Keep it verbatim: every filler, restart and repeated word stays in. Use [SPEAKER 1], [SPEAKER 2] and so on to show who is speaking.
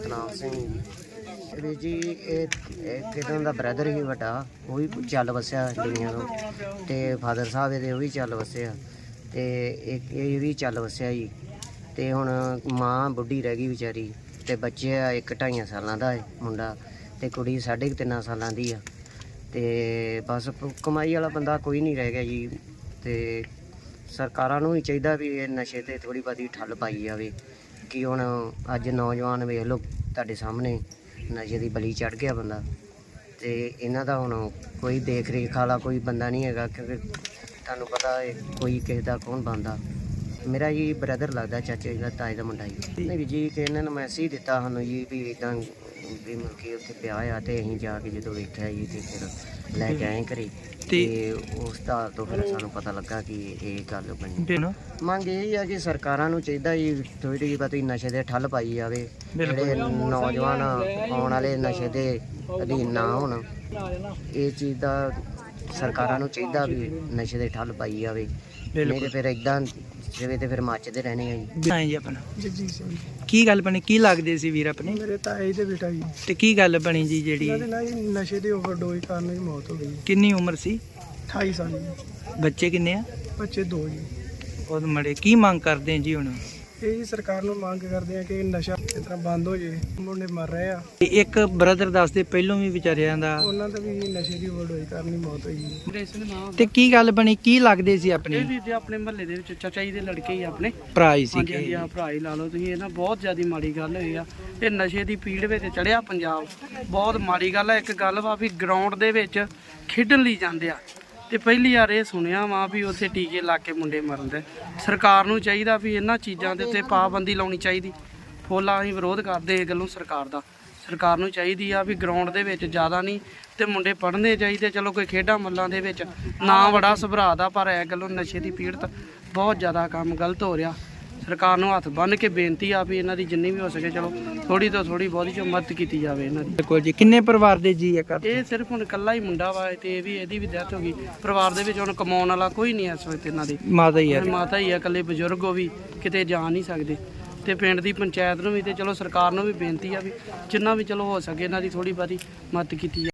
[SPEAKER 1] ਸਤਨਾਮ ਸਿੰਘ ਵੀਰ ਜੀ। ਇਹ ਕਿਦੋਂ ਦਾ ਬ੍ਰਦਰ ਹੀ ਵੱਡਾ, ਉਹ ਵੀ ਚੱਲ ਵਸਿਆ ਦੁਨੀਆ ਤੋਂ, ਤੇ ਫਾਦਰ ਸਾਹਿਬ ਇਹਦੇ ਉਹ ਵੀ ਚੱਲ ਵਸਿਆ, ਤੇ ਇੱਕ ਇਹ ਵੀ ਚੱਲ ਵਸਿਆ ਜੀ। ਤੇ ਹੁਣ ਮਾਂ ਬੁੱਢੀ ਰਹਿ ਗਈ ਵਿਚਾਰੀ, ਤੇ ਬੱਚੇ ਆ ਇੱਕ ਢਾਈਆਂ ਸਾਲਾਂ ਦਾ ਹੈ ਮੁੰਡਾ, ਤੇ ਕੁੜੀ ਸਾਢੇ ਕੁ ਤਿੰਨਾਂ ਸਾਲਾਂ ਦੀ ਆ। ਤੇ ਬਸ ਕਮਾਈ ਵਾਲਾ ਬੰਦਾ ਕੋਈ ਨਹੀਂ ਰਹਿ ਗਿਆ ਜੀ। ਤੇ ਸਰਕਾਰਾਂ ਨੂੰ ਵੀ ਚਾਹੀਦਾ ਵੀ ਇਹ ਨਸ਼ੇ 'ਤੇ ਥੋੜ੍ਹੀ ਬਹੁਤੀ ਠੱਲ ਪਾਈ ਜਾਵੇ, ਕਿ ਹੁਣ ਅੱਜ ਨੌਜਵਾਨ ਵੇਖ ਲਓ ਤੁਹਾਡੇ ਸਾਹਮਣੇ ਨਸ਼ੇ ਦੀ ਬਲੀ ਚੜ੍ਹ ਗਿਆ ਬੰਦਾ, ਤੇ ਇਹਨਾਂ ਦਾ ਹੁਣ ਕੋਈ ਦੇਖ ਰੇਖ ਵਾਲਾ ਕੋਈ ਬੰਦਾ ਨਹੀਂ ਹੈਗਾ, ਕਿਉਂਕਿ ਤੁਹਾਨੂੰ ਪਤਾ ਹੈ ਕੋਈ ਕਿਸੇ ਦਾ ਕੌਣ ਬਣਦਾ। ਮੇਰਾ ਜੀ ਬ੍ਰਦਰ ਲੱਗਦਾ, ਚਾਚੇ ਦਾ ਤਾਏ ਦਾ ਮੁੰਡਾ ਜੀ। ਨਹੀਂ ਜੀ ਕਿ ਇਹਨਾਂ ਨੂੰ ਮੈਸੇਜ ਦਿੱਤਾ ਸਾਨੂੰ ਜੀ ਵੀ ਇੱਦਾਂ ਵੀ ਮੁੜ ਕੇ ਉੱਥੇ ਪਿਆ ਆ, ਤੇ ਅਸੀਂ ਜਾ ਕੇ ਜਦੋਂ ਵੇਖਿਆ ਜੀ ਤੇ ਫਿਰ ਲੈ ਕੇ ਆਏ ਘਰੇ, ਤੇ ਉਸ ਦਾ ਤੋਂ ਫਿਰ ਸਾਨੂੰ ਪਤਾ ਲੱਗਾ ਕਿ ਇਹ ਗੱਲ ਬਣੀ। ਮੰਗ ਇਹ ਆ ਕਿ ਸਰਕਾਰਾਂ ਨੂੰ ਚਾਹੀਦਾ ਜੀ ਥੋੜ੍ਹੀ ਬਹੁਤੀ ਨਸ਼ੇ ਦੇ ਠੱਲ ਪਾਈ ਜਾਵੇ, ਜਿਹੜੇ ਨੌਜਵਾਨ ਆਉਣ ਵਾਲੇ ਨਸ਼ੇ ਦੇ ਅਧੀਨ ਨਾ ਹੋਣ। ਇਹ ਚੀਜ਼ ਦਾ ਸਰਕਾਰਾਂ ਨੂੰ ਚਾਹੀਦਾ ਵੀ ਨਸ਼ੇ ਦੇ ਠੱਲ ਪਾਈ ਜਾਵੇ, ਨਹੀਂ ਤੇ ਫਿਰ ਇੱਦਾਂ ਜਿਵੇਂ ਤੇ ਫਿਰ ਮੱਚਦੇ ਰਹਿਣੇ ਆ ਜੀ।
[SPEAKER 2] ਹਾਂ ਜੀ ਆਪਣਾ
[SPEAKER 3] ਜਗਜੀਤ ਸਿੰਘ।
[SPEAKER 2] ਕੀ ਗੱਲ ਬਣੀ, ਕੀ ਲੱਗਦੇ ਸੀ ਵੀਰ ਆਪਣੇ?
[SPEAKER 3] ਮੇਰੇ ਤਾਏ ਦੇ ਬੇਟਾ ਜੀ।
[SPEAKER 2] ਤੇ ਕੀ ਗੱਲ ਬਣੀ ਜੀ ਜਿਹੜੀ?
[SPEAKER 3] ਇਹਨਾਂ ਦੇ ਨਾਲ ਜੀ ਨਸ਼ੇ ਦੀ ਓਵਰਡੋਜ਼ ਕਾਰਨ ਹੀ ਮੌਤ ਹੋ ਗਈ।
[SPEAKER 2] ਕਿੰਨੀ ਉਮਰ ਸੀ?
[SPEAKER 3] ਅਠਾਈ ਸਾਲ ਜੀ।
[SPEAKER 2] ਬੱਚੇ ਕਿੰਨੇ ਆ?
[SPEAKER 3] ਬੱਚੇ ਦੋ ਜੀ।
[SPEAKER 2] ਉਹ ਮੜੇ ਕੀ ਮੰਗ ਕਰਦੇ ਆ ਜੀ ਹੁਣ?
[SPEAKER 3] ਇਹ ਜੀ ਸਰਕਾਰ ਨੂੰ ਮੰਗ ਕਰਦੇ ਆ ਕਿ ਨਸ਼ਾ ਇਸ ਤਰ੍ਹਾਂ ਬੰਦ ਹੋ ਜੇ, ਮੁੰਡੇ ਮਰ ਰਹੇ ਆ।
[SPEAKER 2] ਤੇ ਇੱਕ ਬ੍ਰਦਰ ਦੱਸਦੇ ਪਹਿਲੋਂ ਵੀ ਵਿਚਾਰਿਆਂ ਦਾ
[SPEAKER 3] ਉਹਨਾਂ ਦਾ ਵੀ ਨਸ਼ੇ ਦੀ ਓਵਰਡੋਜ਼ ਕਾਰਨ ਹੀ ਮੌਤ ਹੋਈ ਜੀ।
[SPEAKER 2] ਤੇ ਕੀ ਗੱਲ ਬਣੀ, ਕੀ ਲੱਗਦੇ ਸੀ ਆਪਣੇ?
[SPEAKER 4] ਇਹ ਵੀ ਤੇ ਆਪਣੇ ਮਹੱਲੇ ਦੇ ਵਿੱਚ ਚਾਚਾ ਜੀ ਦੇ ਲੜਕੇ ਹੀ ਆਪਣੇ
[SPEAKER 2] ਭਰਾ ਹੀ
[SPEAKER 4] ਹਾਂਜੀ
[SPEAKER 2] ਸੀ?
[SPEAKER 4] ਹਾਂਜੀ ਆ ਭਰਾ ਹੀ ਲਾ ਲਓ ਤੁਸੀਂ। ਇਹ ਨਾ ਬਹੁਤ ਜ਼ਿਆਦਾ ਮਾੜੀ ਗੱਲ ਹੋਈ ਆ, ਇਹ ਨਸ਼ੇ ਦੀ ਪੀੜ ਵਿੱਚ ਚੜਿਆ ਪੰਜਾਬ, ਬਹੁਤ ਮਾੜੀ ਗੱਲ ਆ। ਇੱਕ ਗੱਲ ਵਾ ਵੀ ਗਰਾਊਂਡ ਦੇ ਵਿੱਚ ਖੇਡਣ ਲਈ ਜਾਂਦੇ ਆ, ਤੇ ਪਹਿਲੀ ਵਾਰ ਇਹ ਸੁਣਿਆ ਵਾ ਵੀ ਉੱਥੇ ਟੀਕੇ ਲਾ ਕੇ ਮੁੰਡੇ ਮਰਨ ਦੇ। ਸਰਕਾਰ ਨੂੰ ਚਾਹੀਦਾ ਵੀ ਇਹਨਾਂ ਚੀਜ਼ਾਂ ਦੇ ਉੱਤੇ ਪਾਬੰਦੀ ਲਾਉਣੀ ਚਾਹੀਦੀ। ਫੋਲਾ ਅਸੀਂ ਵਿਰੋਧ ਕਰਦੇ ਇਹ ਗੱਲੋਂ ਸਰਕਾਰ ਦਾ। ਸਰਕਾਰ ਨੂੰ ਚਾਹੀਦੀ ਆ ਵੀ ਗਰਾਊਂਡ ਦੇ ਵਿੱਚ ਜ਼ਿਆਦਾ ਨਹੀਂ ਤੇ ਮੁੰਡੇ ਪੜ੍ਹਨੇ ਚਾਹੀਦੇ। ਚਲੋ ਕੋਈ ਖੇਡਾਂ ਮੱਲਾਂ ਦੇ ਵਿੱਚ ਨਾ ਬੜਾ ਸੁਭਰਾ ਦਾ, ਪਰ ਇਹ ਗੱਲੋਂ ਨਸ਼ੇ ਦੀ ਪੀੜਤ ਬਹੁਤ ਜ਼ਿਆਦਾ ਕੰਮ ਗਲਤ ਹੋ ਰਿਹਾ। ਸਰਕਾਰ ਨੂੰ ਹੱਥ ਬੰਨ੍ਹ ਕੇ ਬੇਨਤੀ ਆ ਵੀ ਇਹਨਾਂ ਦੀ ਜਿੰਨੀ ਵੀ ਹੋ ਸਕੇ ਚਲੋ ਥੋੜੀ ਤੋਂ ਥੋੜੀ ਬਹੁਤੀ ਚ ਮਦਦ ਕੀਤੀ ਜਾਵੇ ਇਹਨਾਂ ਦੀ।
[SPEAKER 2] ਬਿਲਕੁਲ ਜੀ। ਕਿੰਨੇ ਪਰਿਵਾਰ ਦੇ ਜੀ ਆ ਘਰ?
[SPEAKER 4] ਇਹ ਸਿਰਫ ਹੁਣ ਇਕੱਲਾ ਹੀ ਮੁੰਡਾ ਵਾ, ਤੇ ਇਹ ਵੀ ਇਹਦੀ ਵੀ ਡੈਥ ਹੋ ਗਈ। ਪਰਿਵਾਰ ਦੇ ਵਿੱਚ ਹੁਣ ਕਮਾਉਣ ਵਾਲਾ ਕੋਈ ਨਹੀਂ ਇਸ ਵਕਤ ਇਹਨਾਂ ਦੇ।
[SPEAKER 2] ਮਾਤਾ ਹੀ ਆ?
[SPEAKER 4] ਮਾਤਾ ਹੀ ਆ, ਇਕੱਲੇ ਬਜ਼ੁਰਗ ਉਹ ਵੀ ਕਿਤੇ ਜਾ ਨਹੀਂ ਸਕਦੇ। ਤੇ ਪਿੰਡ ਦੀ ਪੰਚਾਇਤ ਨੂੰ ਵੀ ਤੇ ਚਲੋ ਸਰਕਾਰ ਨੂੰ ਵੀ ਬੇਨਤੀ ਆ ਵੀ ਜਿੰਨਾ ਵੀ ਚਲੋ ਹੋ ਸਕੇ ਇਹਨਾਂ ਦੀ ਥੋੜੀ ਬਹੁਤੀ ਮਦਦ ਕੀਤੀ ਜਾਵੇ।